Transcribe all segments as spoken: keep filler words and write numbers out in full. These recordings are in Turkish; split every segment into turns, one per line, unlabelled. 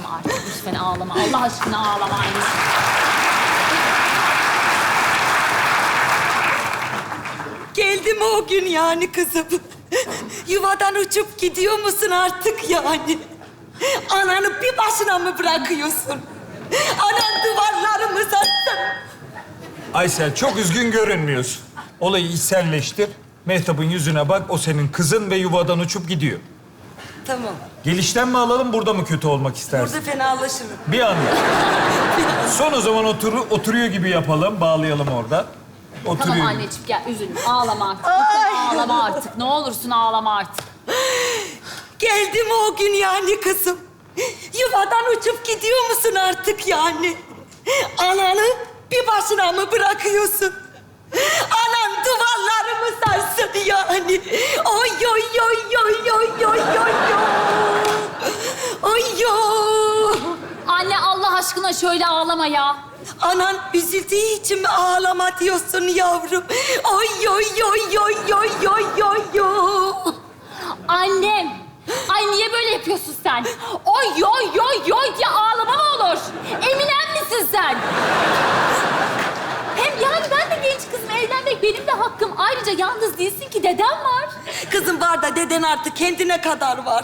artık. Lütfen ağlama. Allah aşkına ağlama anneciğim.
Geldi mi o gün yani kızım? Yuvadan uçup gidiyor musun artık yani? Ananı bir başına mı bırakıyorsun? Anan duvarları mı sattın?
Aysel çok üzgün görünmüyorsun. Olayı içselleştir. Mehtap'ın yüzüne bak. O senin kızın ve yuvadan uçup gidiyor.
Tamam.
Gelişten mi alalım, burada mı kötü olmak istersin?
Burada fenalaşırım.
Bir anda. Son o zaman otur, oturuyor gibi yapalım. Bağlayalım orada. Oturuyor.
Tamam anneciğim gel üzülme. Ağlama artık. Lütfen ağlama artık. Ne olursun ağlama artık.
Geldi mi o gün yani kızım? Yuvadan uçup gidiyor musun artık yani? Ananı bir başına mı bırakıyorsun? Anan duvarları mı sarsın yani? Oy oy oy oy oy oy oy oy oy.
Anne Allah aşkına şöyle ağlama ya.
Anan üzüldüğü için mi ağlama diyorsun yavrum? Oy oy oy oy oy oy oy oy.
Annem. Ay niye böyle yapıyorsun sen? Oy yoy yoy yoy diye ağlama mı olur? Eminem misin sen? Hem yani ben de genç kızım, evlenmek benim de hakkım. Ayrıca yalnız değilsin ki, dedem var.
Kızım var da deden artık kendine kadar var.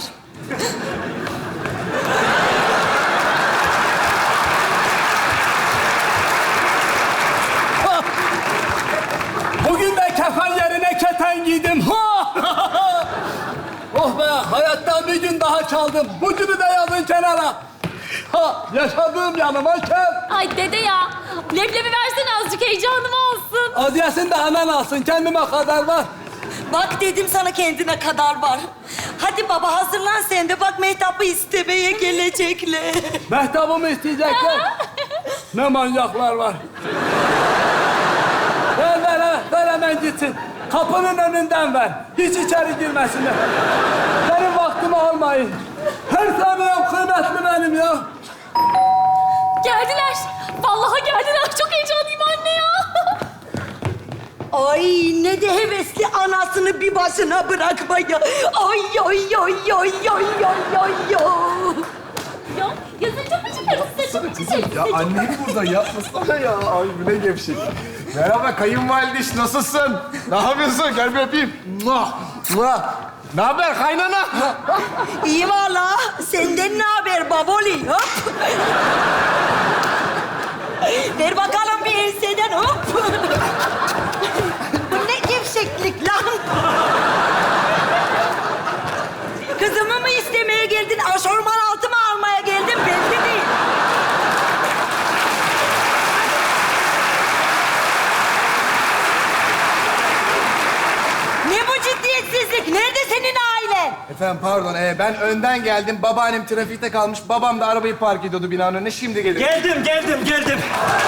Bugün de kefen yerine keten giydim. Ha! Oh be, hayattan bir gün daha çaldım. Bu günü de yazın kenara. Ha, yaşadığım yanıma kef.
Ay dede ya, leblebi versene azıcık heyecanım olsun.
Adiyesini de anan alsın, kendime kadar var.
Bak dedim sana kendine kadar var. Hadi baba hazırlan sen de. Bak Mehtap'ı istemeye gelecekler.
Mehtap'ımı isteyecekler. Ne manyaklar var. Ver, ver, ver, ver hemen gitsin. Kapının önünden ver. Hiç içeri girmesinler. Benim vaktimi almayın. Her saniyem kıymetli benim ya.
Geldiler. Vallahi geldiler. Çok heyecanlıyım anne ya.
Ay ne de hevesli anasını bir başına bırakmaya. Ay ay ay ay ay ay ay ay.
Ya yazınca mı çıkarız? Saçım mı çiçek?
Ya annem burada yapmasana ya. Ay bu ne gevşek. Merhaba kayınvalideş, nasılsın? Ne yapıyorsun? Gel bir öpeyim. Muah, muah. Ne haber kaynana?
İyi valla. Senden ne haber baboli? Hop. Ver bakalım bir enseden hop. Bu ne gevşeklik lan? Kızımı mı istemeye geldin? Aşorman altı mı almaya geldin? Belli değil. Ne bu ciddiyetsizlik? Nerede senin ailen?
Efendim pardon, ee, ben önden geldim. Babaannem trafikte kalmış. Babam da arabayı park ediyordu binanın önüne. Şimdi gelir.
Geldim, geldim, geldim.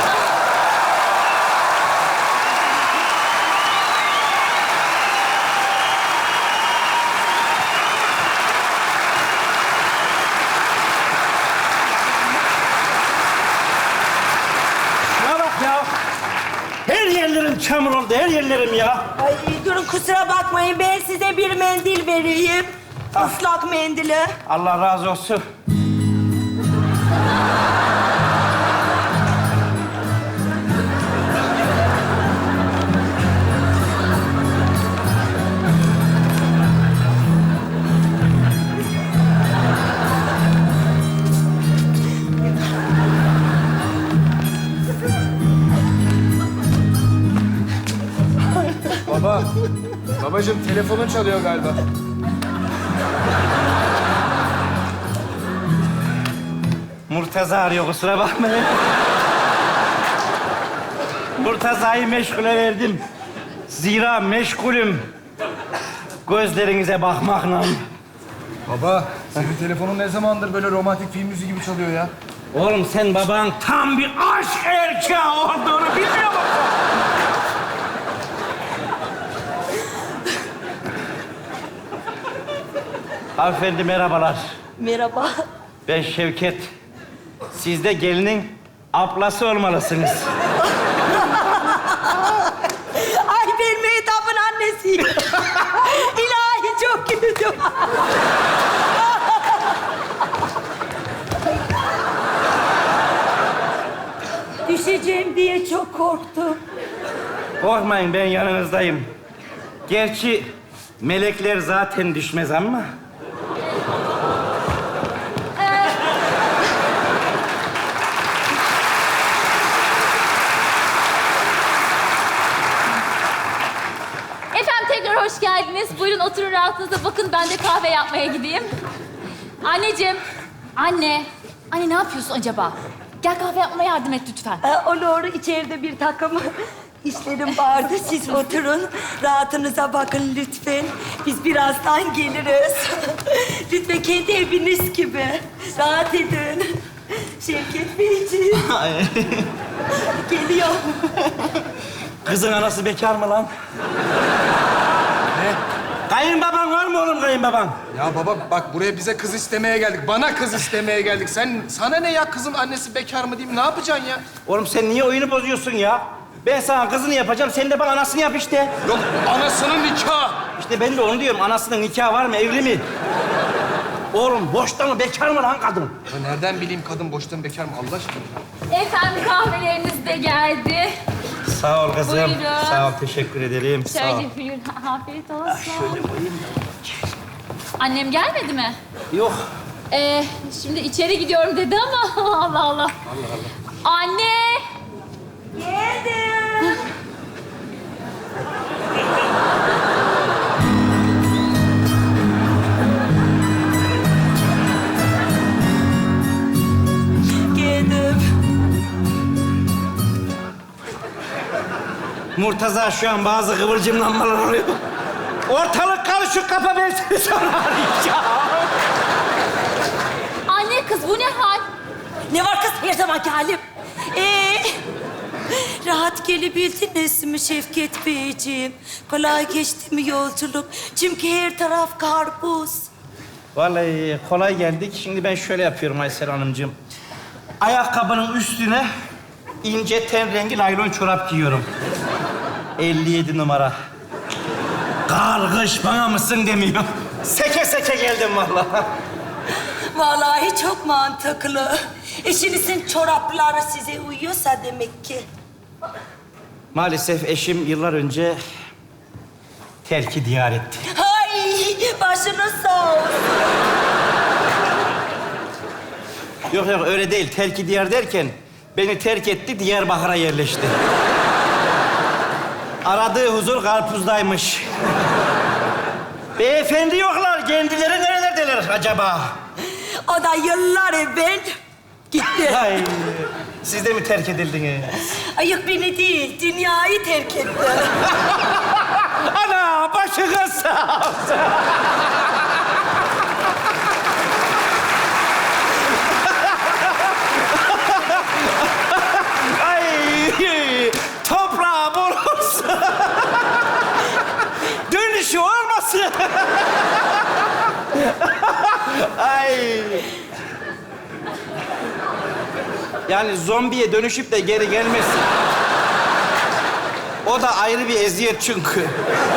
Şuna bak ya. Her yerlerim çamur oldu, her yerlerim ya.
Ay durun kusura bakmayın. Ben size bir mendil vereyim. Islak mendili.
Allah razı olsun.
Baba, babacığım telefonun çalıyor galiba.
Murtaza arıyor, kusura bakmayın. Murtaza'yı meşgule verdim. Zira meşgulüm. Gözlerinize bakmakla.
Baba, senin telefonun ne zamandır böyle romantik film müziği gibi çalıyor ya?
Oğlum sen baban tam bir aşk erkeği olduğunu bilmiyor musun? Hanımefendi merhabalar.
Merhaba.
Ben Şevket. Siz de gelinin ablası olmalısınız.
Ay ben Mehtap'ın annesiyim. İlahi çok güldüm. diye çok korktum.
Korkmayın, ben yanınızdayım. Gerçi melekler zaten düşmez ama...
Efendim tekrar hoş geldiniz. Buyurun oturun rahatınıza. Bakın ben de kahve yapmaya gideyim. Anneciğim. Anne. Anne ne yapıyorsun acaba? Gel kahve yapmaya yardım et lütfen.
Ee, olur, içeride bir takım işlerim vardı. Siz oturun, rahatınıza bakın lütfen. Biz birazdan geliriz. Lütfen kendi eviniz gibi. Rahat edin. Şevket Beyciğim. Geliyor.
Kızın anası bekar mı lan?
Ne?
Kayınbaban var mı oğlum kayınbaban?
Ya baba bak buraya bize kız istemeye geldik. Bana kız istemeye geldik. Sen sana ne ya kızın annesi bekar mı diyeyim? Ne yapacaksın ya?
Oğlum sen niye oyunu bozuyorsun ya? Ben sana kızını yapacağım, sen de bana anasını yap işte.
Yok anasının nikahı.
İşte ben de onu diyorum, anasının nikahı var mı, evli mi? Oğlum boşta mı, bekar mı lan kadın?
Ya nereden bileyim kadın boştan bekar mı Allah aşkına?
Efendim kahveleriniz de geldi.
Sağ ol kızım.
Buyurun.
Sağ ol, teşekkür ederim. Sağ ol.
Şöyle buyurun. Afiyet olsun.
Şöyle koyayım da.
Annem gelmedi mi?
Yok.
Ee, şimdi içeri gidiyorum dedi ama Allah Allah. Allah Allah. Anne!
Geldim. Geldim.
Murtaza şu an bazı kıvılcımlanmalar oluyor. Ortalık karışık, kapa ben seni sonra arayacağım.
Anne kız bu ne hal?
Ne var kız her zamanki halim? Ee, rahat gelebildiniz mi Şevket Beyciğim? Kolay geçti mi yolculuk? Çünkü her taraf karpuz.
Vallahi kolay geldik. Şimdi ben şöyle yapıyorum Aysel Hanımcığım. Ayakkabının üstüne ince ten rengi naylon çorap giyiyorum. elli yedi numara. Kargış bana mısın demiyor. Seke seke geldim vallahi.
Vallahi çok mantıklı. Eşinizin çorapları size uyuyorsa demek ki.
Maalesef eşim yıllar önce terki diyar etti.
Ay başınız sağ olsun.
Yok yok öyle değil. Terki diyar derken beni terk etti, Diyarbakır'a yerleşti. Aradığı huzur karpuzdaymış. Beyefendi yoklar. Kendileri nerelerdeler acaba?
O da yıllar evvel gitti.
Ay, siz de mi terk edildiniz?
Ayık beni değil, dünyayı terk etti.
Ana başınız sağ olsun. Ay, toprağı bol olsun. Dönüşü olmasın. Ay. Yani zombiye dönüşüp de geri gelmesin. O da ayrı bir eziyet çünkü.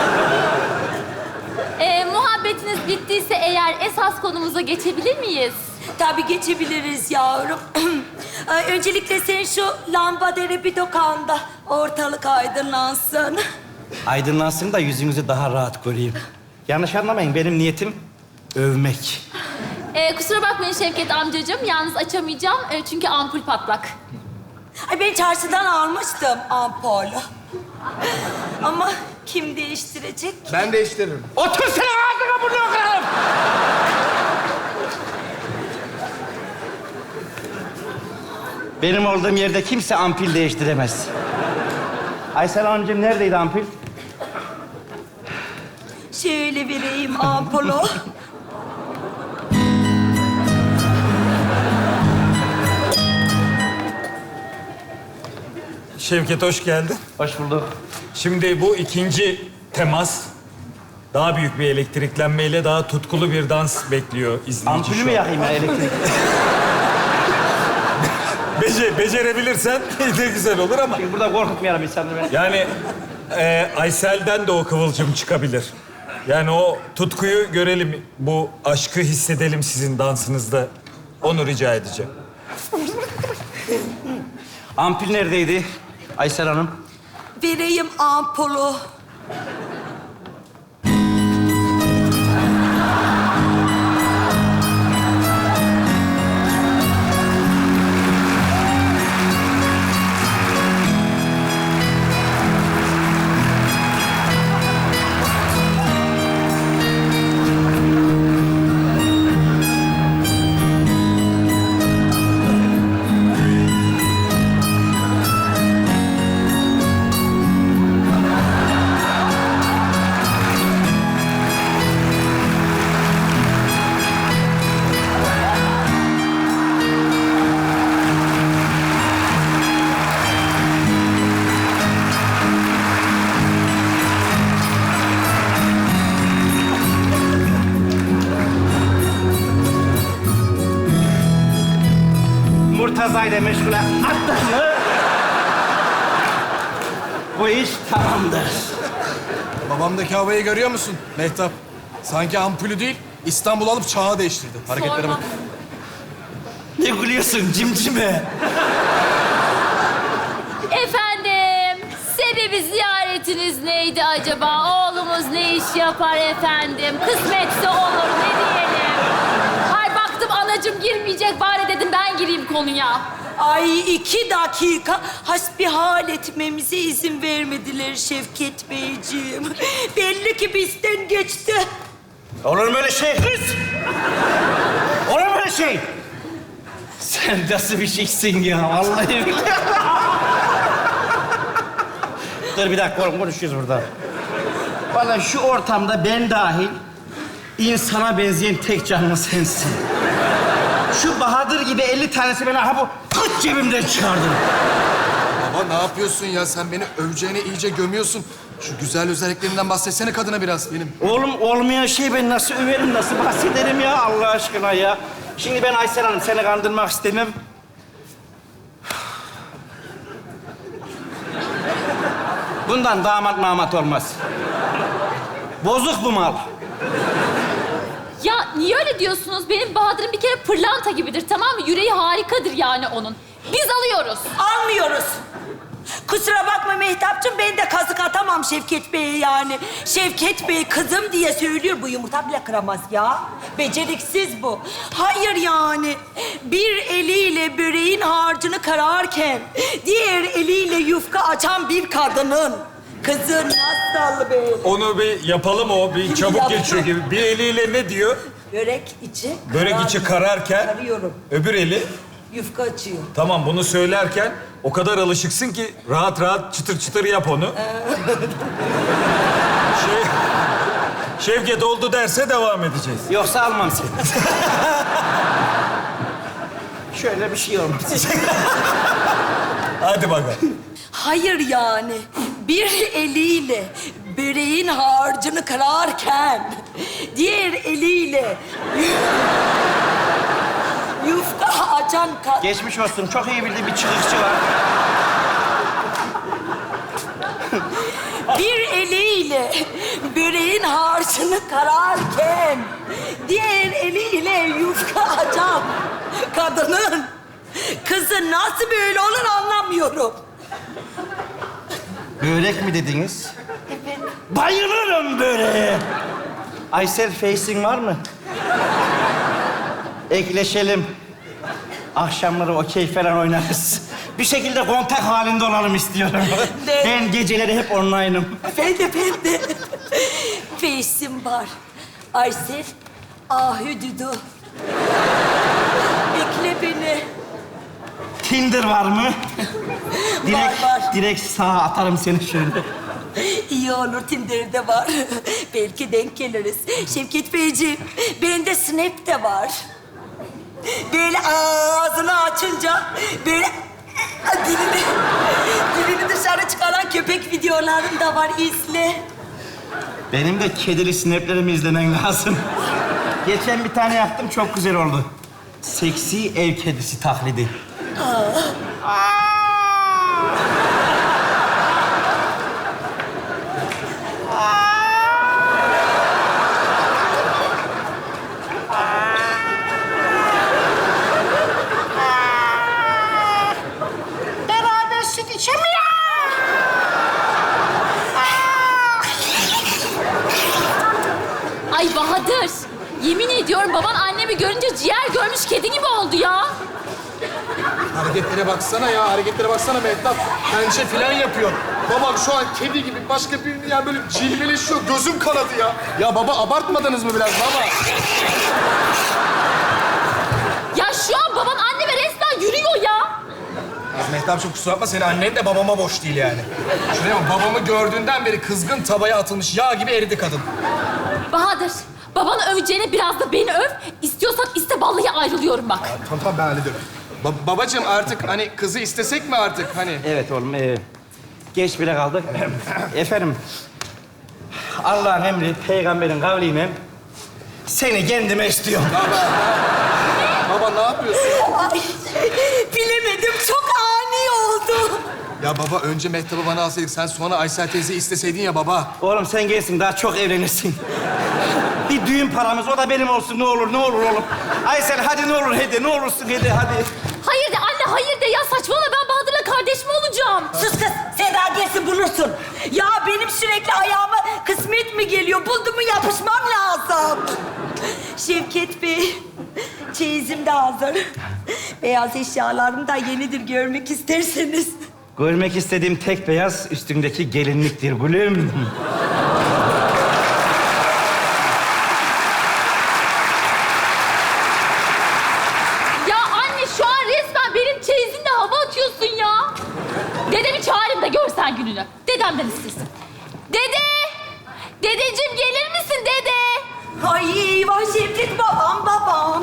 Ee, muhabbetiniz bittiyse eğer esas konumuza geçebilir miyiz?
Tabii geçebiliriz yavrum. Ay, öncelikle sen şu lambaları bir dokanda ortalık aydınlansın.
Aydınlansın da yüzünüzü daha rahat göreyim. Yanlış anlamayın, benim niyetim övmek.
Ee, kusura bakmayın Şevket amcacığım. Yalnız açamayacağım ee, çünkü ampul patlak.
Ay, ben çarşıdan almıştım ampulü. Ama kim değiştirecek?
Ben değiştiririm.
Otur sen ağzına bunu kırarım. Benim olduğum yerde kimse ampul değiştiremez. Aysel Hanımcığım neredeydi ampul?
Şöyle vereyim ampulü.
Şevket hoş geldin.
Hoş bulduk.
Şimdi bu ikinci temas daha büyük bir elektriklenmeyle daha tutkulu bir dans bekliyor izleyici
Ampulü
şu
mü
an.
yakayım ya elektrik?
Bece, becerebilirsen de güzel olur ama
Çünkü burada korkutmayalım insanları. beni.
yani e, Aysel'den de o kıvılcım çıkabilir. Yani o tutkuyu görelim, bu aşkı hissedelim sizin dansınızda. Onu rica edeceğim.
Ampul neredeydi? Aysel Hanım.
Vereyim ampulu.
Murtaza ile meşgule attık mı? Bu iş tamamdır.
Babamdaki havayı görüyor musun Mehtap? Sanki ampulü değil, İstanbul alıp çağı değiştirdi. Hareketlere
Sorma.
bak.
Ne gülüyorsun cimcime?
Efendim, sebebi ziyaretiniz neydi acaba? Oğlumuz ne iş yapar efendim? Kısmetse olur, ne diyelim? Ay baktım anacığım girmeyecek, bari dedim ben gireyim konuya.
Ay iki dakika hasbihal etmemize izin vermediler Şevket Beyciğim. Belli ki bizden geçti.
Olur mu öyle şey kız? Olur mu öyle şey? Sen nasıl bir şeysin ya? Vallahi billahi. Dur bir dakika oğlum, konuşuyoruz burada. Vallahi şu ortamda ben dahil insana benzeyen tek canlı sensin. Şu Bahadır gibi elli tanesi beni ha bu kıç cebimden çıkardın.
Baba ne yapıyorsun ya? Sen beni öveceğine iyice gömüyorsun. Şu güzel özelliklerinden bahsetsene kadına biraz benim.
Oğlum olmayan şey ben nasıl överim, nasıl bahsederim ya Allah aşkına ya. Şimdi ben Aysel Hanım seni kandırmak istemem. Bundan damat mamat olmaz. Bozuk bu mal.
Ya niye öyle diyorsunuz? Benim Bahadır'ım bir kere pırlanta gibidir, tamam mı? Yüreği harikadır yani onun. Biz alıyoruz.
Almıyoruz. Kusura bakma Mehtapcığım, ben de kazık atamam Şevket Bey'e yani. Şevket Bey kızım diye söylüyor, bu yumurta bile kıramaz ya. Beceriksiz bu. Hayır yani, bir eliyle böreğin harcını kararken... ...diğer eliyle yufka açan bir kadının... ...kızı nasıl be?
Onu bir yapalım o. Bir çabuk
Yaptım.
geçiyor gibi. Bir eliyle ne diyor?
Börek içi...
Börek
karar-
içi kararken
Karıyorum,
öbür eli.
yufka açıyor.
Tamam bunu söylerken o kadar alışıksın ki rahat rahat çıtır çıtır yap onu. şey, Şevket oldu derse devam edeceğiz.
Yoksa almam seni. Şöyle bir şey olmaz.
Hadi bakalım.
Hayır yani, bir eliyle böreğin harcını kırarken... ...diğer eliyle... ...yufka açan kadın...
Geçmiş olsun. Çok iyi bildiği bir çıkışçı var.
Bir eliyle böreğin harcını kararken... ...diğer eliyle yufka açan kadının... ...kızı nasıl böyle olur anlamıyorum.
Börek mi dediniz?
Evet.
Bayılırım böreğe. Aysel facing var mı? Ekleşelim. Akşamları okey falan oynarız. Bir şekilde kontak halinde olalım istiyorum.
Ne?
Ben geceleri hep online'ım.
Ben de, ben de. Feysim var. Aysel, ahüdüdü. Bekle beni.
Tinder var mı? direkt,
var.
direkt sağa atarım seni şöyle.
İyi olur, Tinder'de var. Belki denk geliriz. Şevket Beyciğim, bende Snap de var. Böyle ağzını açınca böyle dilini, dilini dışarı çıkaran köpek videolarım da var. İzle.
Benim de kedili snaplerimi izlemen lazım. Geçen bir tane yaptım, çok güzel oldu. Seksi ev kedisi taklidi.
Beraber süt içemiyor.
annemi görünce ciğer görmüş kedi gibi oldu ya.
Hareketlere baksana ya, hareketlere baksana Mehtap. Pençe filan yapıyor. Babam şu an kedi gibi başka bir yani böyle cilveleşiyor. Gözüm kanadı ya. Ya baba abartmadınız mı biraz baba?
Ya şu an baban anneme resmen yürüyor ya.
Ya Mehtap'cığım kusura bakma, senin annen de babama boş değil yani. Şuraya bak, babamı gördüğünden beri kızgın tavaya atılmış yağ gibi eridi kadın.
Bahadır, babanı öveceğine biraz da beni öv. İstiyorsan iste, vallahi ayrılıyorum bak.
Tamam tamam, ben hallederim. Ba- babacığım artık hani kızı istesek mi artık hani?
Evet oğlum, ee, geç bile kaldık. Efendim, Allah'ın emri, peygamberin kavliyle seni kendime istiyorum.
Baba ne yapıyorsun?
Ay, bilemedim. Çok ani oldu.
Ya baba önce Mehtap'ı bana alsaydık, sen sonra Aysel teyzeyi isteseydin ya baba.
Oğlum sen gelsin, daha çok evlenirsin. Bir düğün paramız, o da benim olsun. Ne olur, ne olur oğlum. Aysel hadi ne olur hadi, ne olursun hadi, hadi.
Hayır de anne, hayır de ya, saçmalama, ben Bahadır'la kardeş mi olacağım?
Sus kız. Sen daha gelsin bulursun. Ya benim sürekli ayağıma kısmet mi geliyor? Buldu mu yapışmam lazım. Şevket Bey, çeyizim de hazır. Beyaz eşyalarım da yenidir, görmek isterseniz.
Görmek istediğim tek beyaz üstündeki gelinliktir gülüm.
Ya anne, şu an resmen benim çeyizimle hava atıyorsun ya. Dedemi çağırayım da görsen gününü. Dedemden istesin. Dede! Dedeciğim gelir misin dede?
Ay eyvah Şevket babam, babam.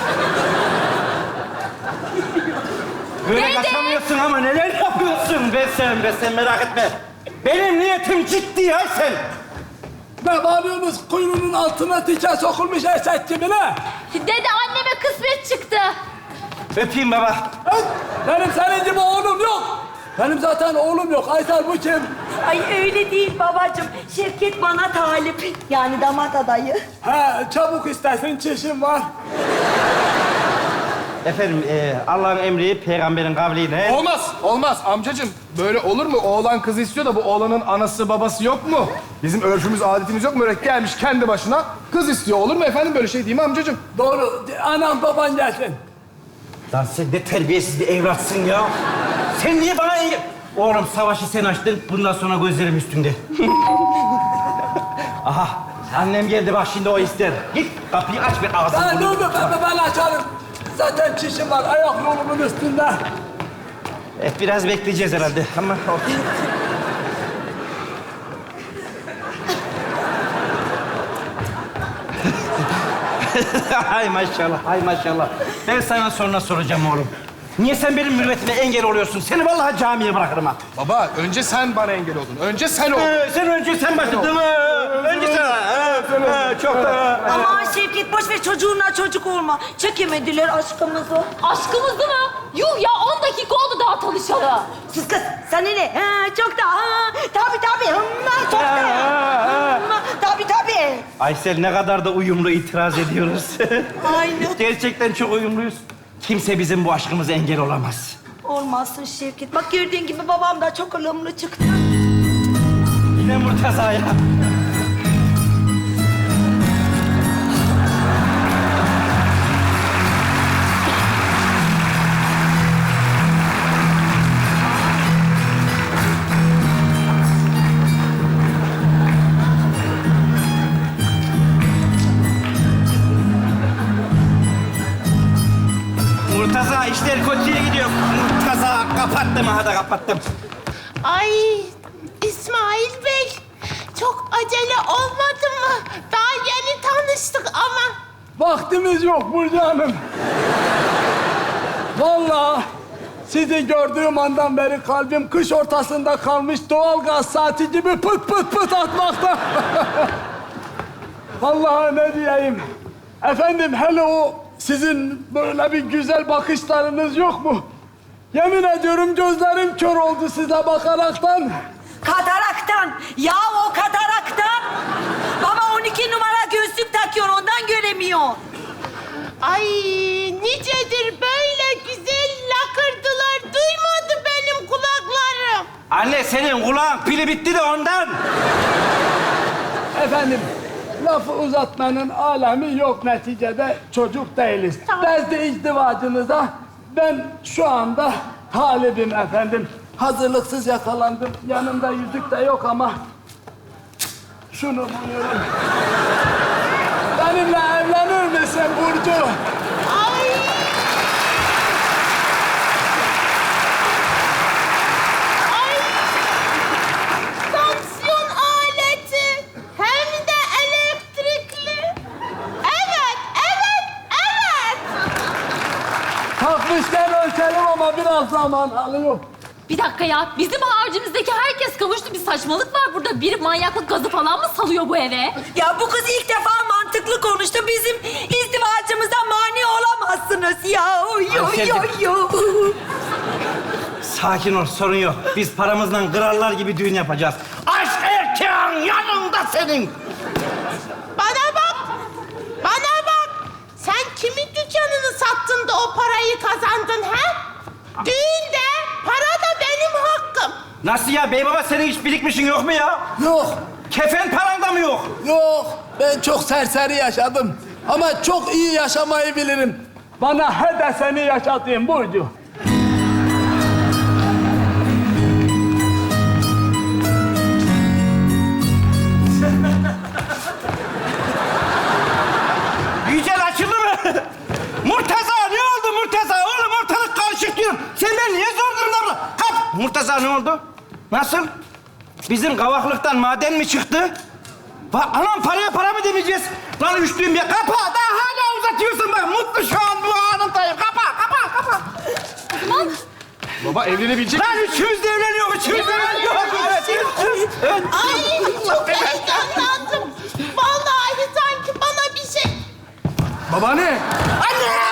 Böyle
Dede!
kaçamıyorsun ama neler yapıyorsun be sen, be sen merak etme. Benim niyetim ciddi Aysel.
Ne bağırıyorsunuz? Kuyruğunun altına diken sokulmuş eşek gibi ne?
Dede, anneme kısmet çıktı.
Öpeyim baba.
Öt! Benim senin gibi oğlum yok. Benim zaten oğlum yok. Aysel bu kim?
Ay öyle değil babacığım. Şevket bana talip. Yani damat adayı.
He, çabuk istersin, çişim var.
Efendim, e, Allah'ın emri, peygamberin kavliyle...
Olmaz, olmaz amcacığım. Böyle olur mu? Oğlan kızı istiyor da bu oğlanın anası babası yok mu? Bizim örfümüz, adetimiz yok mu? Öyle gelmiş kendi başına kız istiyor. Olur mu efendim böyle şey, değil mi amcacığım?
Doğru. Anam baban gelsin.
Lan sen ne terbiyesiz bir evlatsın ya. Sen niye bana engel... Oğlum savaşı sen açtın, bundan sonra gözlerim üstünde. Aha, annem geldi bak şimdi o ister. Git kapıyı aç bir ağzını.
Ben dur dur, ben, ben açarım. Zaten çişim var, ayak yolumun üstünde.
Evet, biraz bekleyeceğiz herhalde ama... Hay maşallah, hay maşallah. Ben sana sonra soracağım oğlum. Niye sen benim mürüvvetime engel oluyorsun? Seni vallahi camiye bırakırım ha.
Baba önce sen bana engel oldun. Önce sen oldun.
Ee, sen önce sen başladın mı? Önce sen. Ha, ha, çok da.
Aman Şevket boş ver, çocuğunla çocuk olma. Çekemediler aşkımızı.
Aşkımızdı mı? Yuh ya, on dakika oldu daha tanışalı.
Sus kız, sana ne? Ha, çok da. Ha, tabii tabii. Hımma, çok da. Hımma, tabii tabii.
Aysel ne kadar da uyumlu itiraz ediyoruz.
Aynen.
Gerçekten çok uyumluyuz. Kimse bizim bu aşkımıza engel olamaz.
Olmazsın Şevket. Bak gördüğün gibi babam da çok ılımlı çıktı.
Yine Murtaza'ya. Murtaza işler kötüye gidiyor. Murtaza kapattım, ha da kapattım.
Ay İsmail Bey, çok acele olmadı mı? Daha yeni tanıştık ama.
Vaktimiz yok Burcu Hanım. Vallahi sizi gördüğüm andan beri kalbim kış ortasında kalmış doğalgaz saati gibi pıt pıt pıt atmakta. Vallahi ne diyeyim. Efendim hele o sizin böyle bir güzel bakışlarınız yok mu? Yemin ediyorum gözlerim kör oldu size bakaraktan.
Kataraktan. Ya o kataraktan. Baba on iki numara gözlük takıyor, ondan göremiyor.
Ay nicedir böyle güzel lakırdılar. Duymadı benim kulaklarım.
Anne senin kulağın pili bitti de ondan.
Efendim, lafı uzatmanın alemi yok neticede. Çocuk değiliz. Bezdi izdivacınıza ben şu anda talibim efendim. Hazırlıksız yakalandım. Yanımda yüzük de yok ama şunu buyurun. Benimle evlenir misin Burcu?
Ay. Ay. Tansiyon aleti. Hem de elektrikli. Evet, evet, evet.
Takmışken ölçelim ama biraz zaman alıyor.
Bir dakika ya. Bizim harcımızdaki herkes kavuştu. Bir saçmalık var burada. Bir manyaklık gazı falan mı salıyor bu eve?
Ya bu kız ilk defa mantıklı konuştu. Bizim izdivacımıza mani olamazsınız ya. Yo yo yo.
Sakin ol, sorun yok. Biz paramızla krallar gibi düğün yapacağız. Aşk erkeğin yanında senin.
Bana bak. Bana bak. Sen kimin dükkanını sattın da o parayı kazandın ha? Düğünde para da benim hakkım.
Nasıl ya bey baba, senin hiç birikmişin yok mu ya?
Yok,
Kefen paran da mı yok?
yok. Ben çok serseri yaşadım. Ama çok iyi yaşamayı bilirim. Bana he de seni yaşatayım Burcu.
Yücel açıldı mı? Murtaza ne oldu Murtaza? Oğlum ortalık karışık diyorum. Sen ben niye zor durumda bırak? Kap! Murtaza ne oldu? Nasıl? Bizim kavaklıktan maden mi çıktı? Bak anam paraya para mı demeyeceğiz? Lan üçlüyüm ya. Kapa! Daha hala uzatıyorsun bak. Mutlu şu an bu anımdayım. Kapa, kapa, kapa.
Baba evlenebilecek
Lan üçümüz de evleniyor, üçümüz de evleniyor. Evet, evet.
Ay çok heyecanlandım. Vallahi sanki bana bir şey...
Babaanne.
Anne!